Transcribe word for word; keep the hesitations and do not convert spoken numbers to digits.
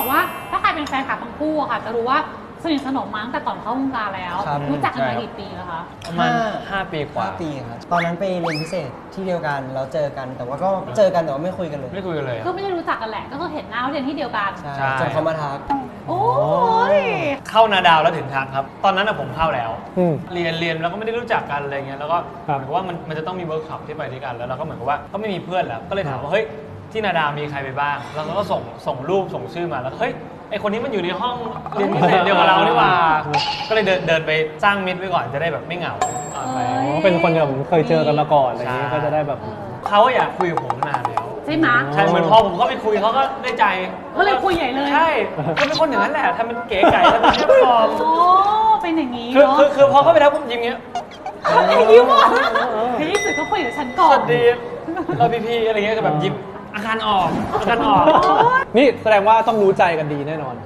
บอกว่าถ้าใครเป็นแฟนคลับทั้งคู่อะค่ะจะรู้ว่าสนิทสนมมาตั้งแต่ก่อนเข้าวงการแล้วรู้จักกันมากี่ปีแล้วคะประมาณห้าปีกว่าห้าปีครับตอนนั้นไปเรียนพิเศษที่เดียวกันเราเจอกันแต่ว่าก็เจอกันแต่ว่าไม่คุยกันเลยไม่คุยกันเลยก็ไม่ได้รู้จักกันแหละก็คือเห็นหน้าเรียนที่เดียวกันใช่จนเขามาทักโอ้ยเข้านาดาวแล้วถึงทักครับตอนนั้นผมเข้าแล้วเรียนเรียนแล้วก็ไม่ได้รู้จักกันอะไรเงี้ยแล้วก็เหมือนกับว่ามันมันจะต้องมีเวิร์กช็อปที่ไปด้วยกันแล้วเราก็เหมือนกับว่าก็ไม่มีเพื่อนแล้วก็เลยถามว่าเฮ้ยที่นาดาวมีใครไปบ้างแล้วเราก็ส่งส่งรูปส่งชื่อมาแล้วเฮ้ยไอคนนี้มันอยู่ในห้องเรียนพิเศษเดียวกับเรานี่หว่าก็เลยเดินเดินไปสร้างมิตรไว้ก่อนจะได้แบบไม่เหงาไปเป็นคนที่ผมเคยเจอกันมาก่อนอะไรอย่างนี้ก็จะได้แบบเขาอยากคุยกับผมนานแล้วใช่ไหมใช่เหมือนพอผมเข้าไปคุยเขาก็ได้ใจเขาเลยคุยใหญ่เลยใช่เขาเป็นคนอย่างนั้นแหละทำเป็นเก๋ไก่ทำเป็นแค่ฟอร์มโอ้เป็นอย่างนี้คือเนาะคือคือพอเข้าไปทักผมยิ้มเงี้ยยิ้มอ่ะที่ที่สุดเขาคุยกับฉันก่อนสวัสดีเราพีพีอะไรเงี้ยก็แบบยิ้มอาการออกอาการออกนี่แสดงว่าต้องรู้ใจกันดีแน่นอน